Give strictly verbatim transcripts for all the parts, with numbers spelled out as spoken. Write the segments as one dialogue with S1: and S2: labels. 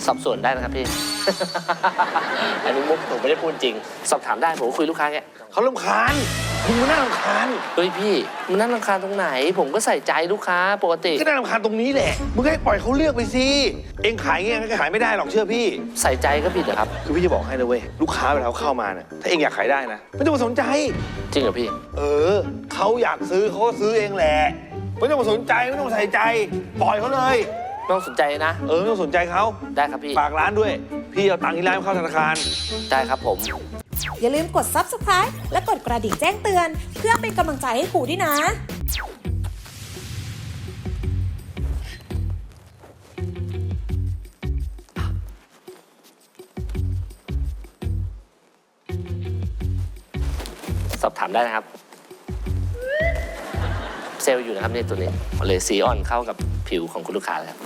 S1: สอบสวนได้นะครับพี่ อันนี้มุกผมไม่ได้พูดจริงสอบถามได้ผมคุยลูกค้าแก
S2: เขารำคาญมึงมันน่ารำคาญ
S1: เฮ้ยพี่มันน่ารำคาญตรงไหนผมก็ใส่ใจลูกค้าปกติ
S2: ก็น่ารำคาญตรงนี้แหละมึงให้ปล่อยเขาเลือกไปสิเองขายเงี้ยก็ขายไม่ได้หรอกเชื่อพี่
S1: ใส่ใจก็ผิดเหรอครับ
S2: คือพี่จะบอกให้นะเว้ยลูกค้าเวลาเขาเข้ามาเนี่ยถ้าเองอยากขายได้นะไม่ต้องมาสนใจ
S1: จริงเหรอพี่
S2: เออเขาอยากซื้อเขาก็ซื้อเองแหละไม่ต้องมาสนใจไม่ต้องมาใส่ใจปล่อยเขาเลย
S1: ไม่ต้องสนใจนะ
S2: เออไม่ต้องสนใจเขา
S1: ได้ครับพี่
S2: ฝากร้านด้วยพี่เอาตังค์ที่ร้านเข้าธนาคาร
S1: ได้ครับผม
S3: อย่าลืมกด ซับสไครบ์ และกดกระดิ่งแจ้งเตือนเพื่อเป็นกำลังใจให้ครูด้วยนะ
S1: สอบถามได้นะครับเซลล์อยู่นะครับในตัวนี้เลยสีอ่อนเข้ากับผิวของคุณลูกค้าแล้ว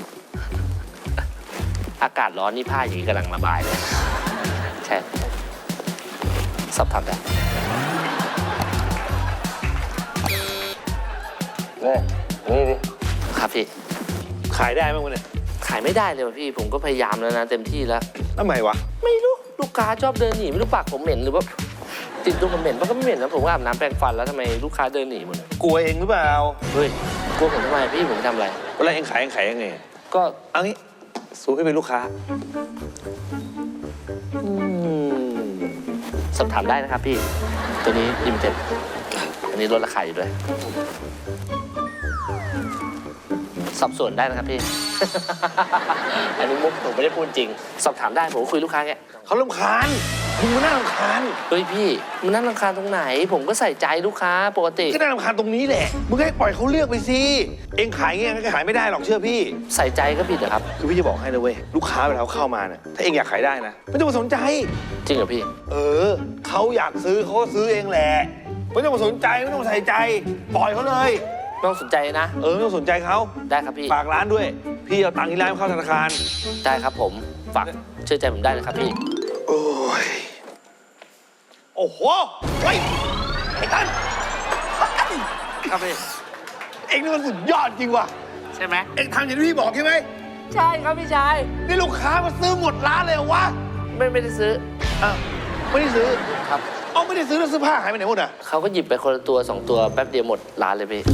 S1: อากาศร้อนนี่ผ้าอย่างนี้กำลังระบายเลยใช่สอบถามได้
S2: นี่นี่ดิ
S1: ครับพี่
S2: ขายได้ไหมวะเนี่ย
S1: ขายไม่ได้เลยพี่ผมก็พยายามแล้วนะเต็มที่แล้ว
S2: ทำไมวะ
S1: ไม่รู้ลูกค้าชอบเดินหนีไม่รู้ปากผมเหม็นหรือว่าติดตัวผมเหม็นมันก็ไม่เหม็นนะผมก็อาบน้ำแปรงฟันแล้วทำไมลูกค้าเดินหนีหมด
S2: กลัวเองหรือเปล่า
S1: เฮ้ยกลัวผมทำไมพี่ผมทำอะไร
S2: เวลาเองขายเองขายยังไง
S1: ก็
S2: เอางี้สู้ให้เป็นลูกค้า
S1: สอบถามได้นะครับพี่ตัวนี้ลิมิเต็ดอันนี้ลดราคาอยู่ด้วยสอบสวนได้นะครับพี่ อันนี้มุกผมไม่ได้พูดจริงสอบถามได้ผมคุยลูกค้าแก
S2: เขารำคาญมึงมันน่ารำคาญ
S1: เฮ้ยพี่มันน่ารำคาญตรงไหนผมก็ใส่ใจลูกค้าปกติ
S2: ก็น่ารำคาญตรงนี้แหละมึงให้ปล่อยเขาเลือกไปสิเองขายเงี้ยก็ขายไม่ได้หรอกเชื่อพี่
S1: ใส่ใจก็ผิดเหรอครับ
S2: คือพี่จะบอกให้นะเว้ยลูกค้าเวลาเขาเข้ามาเนี่ยถ้าเองอยากขายได้นะไม่ต้องมาสนใจ
S1: จริงเหรอพี่
S2: เออเขาอยากซื้อเขาก็ซื้อเองแหละไม่ต้องมาสนใจไม่ต้องมาใส่ใจปล่อยเขาเลย
S1: ไม่ต้องสนใจนะ
S2: เออไม่ต้องสนใจเขา
S1: ได้ครับพี่
S2: ฝากร้านด้วยพี่เอาตังค์ที่ร้านเข้าธนาคาร
S1: ได้ครับผมฝากเชื่อใจผมได้นะครับพี่
S2: โอ้ยโอ้โหเฮ้ยไอ้ตั้น
S1: ครับพี่
S2: เอ็งนี่มันสุดยอดจริงว่ะ
S1: ใช่ไหม
S2: เอ็งทำอย่างที่พี่บอกใช่ไหม
S1: ใช่ครับพี่ชาย
S2: นี่ลูกค้ามาซื้อหมดร้านเลยเหรอวะ
S1: ไม่ไม่ได้ซื้อ
S2: อ้าวไม่ได้ซื้อ
S1: ครับ
S2: เอาไม่ได้ซื้อแล้วเสื้อผ้าหายไปไหนหมดอ่ะ
S1: เขาก็หยิบไปคนละตัวสองตัวแป๊บเดียวหมดร้านเลยพี่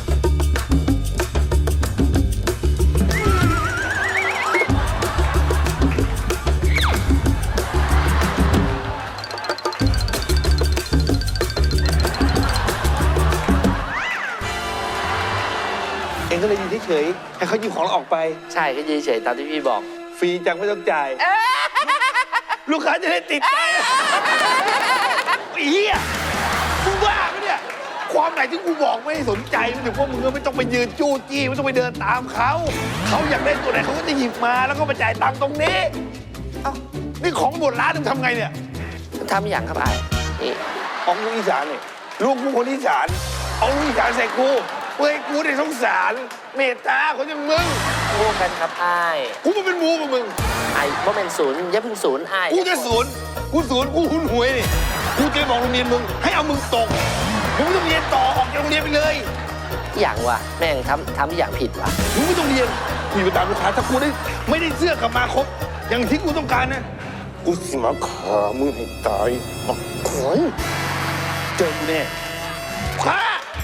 S2: เองก็เลยยืนเฉยๆให้เขาหยิบของเราออกไป
S1: ใช่ก็ยืนเฉยตามที่พี่บอก
S2: ฟรีจังไม่ต้องจ่ายลูกค้าจะได้ติดใจไอ้เหี้ยมึงบ้าไหมเนี่ยความไหนที่กูบอกไม่สนใจมันถึงว่ามึงก็ไม่ต้องไปยืนจู้จี้ไม่ต้องไปเดินตามเขาเขาอยากได้ตัวไหนเขาก็จะหยิบมาแล้วก็มาจ่ายตังค์ตรงนี้เอ้านี่ของหมดร้านมึงทำไงเนี่ย
S1: ทำอย่างครับไอ้นี่
S2: ของลูกอีสานนี่ลูกกูคนอีสานเอาลูกอีสานใส่กูเฮ้ยกูได้สงสารเมตตาคนอย่างมึง
S1: โอ้กันครับไอ้
S2: กูมันเป็นมูกับมึง
S1: ไอ้ว่าเป็นศูนย์อย่าเพิ่งศูนย์ไอ้
S2: กูจะศูนย์กูศูนย์กูหุนหวยนี่กูจะบอกโรงเรียนมึงให้เอามึงตกมึงไม่ต้องเรียนต่อออกจากโรงเรียนไปเลย
S1: อย่างวะแม่งทำทำอย่างผิดวะ
S2: มึงไม่ต้องเรียนกูไปตามลูกค้าถ้ากูได้ไม่ได้เสื้อกลับมาครบอย่างที่กูต้องการนะกูสิมาขามึงให้ตายบักขอยเจอกูแน่ข้า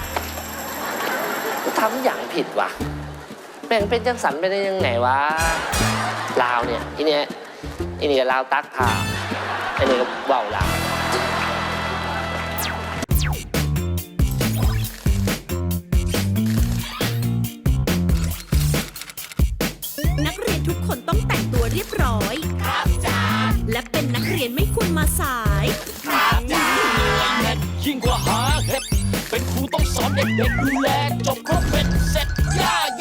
S1: ทำอย่างผิดวะแม่งเป็นจังสันไปได้ยังไงวะลาวเนี่ยอีเนี่ยอีนี่ก็ลาวตักผ่าไอ้นี่ก็ว่าวลาว
S3: นักเรียนทุกคนต้องแต่งตัวเรียบร้อยครับจ้าและเป็นนักเรียนไม่ควรมาสายครับจ้า
S4: ยิ่งกว่าหาเห็ดเป็นครูต้องสอนเด็กๆดูแลจบครบเป็นเสร็จย่า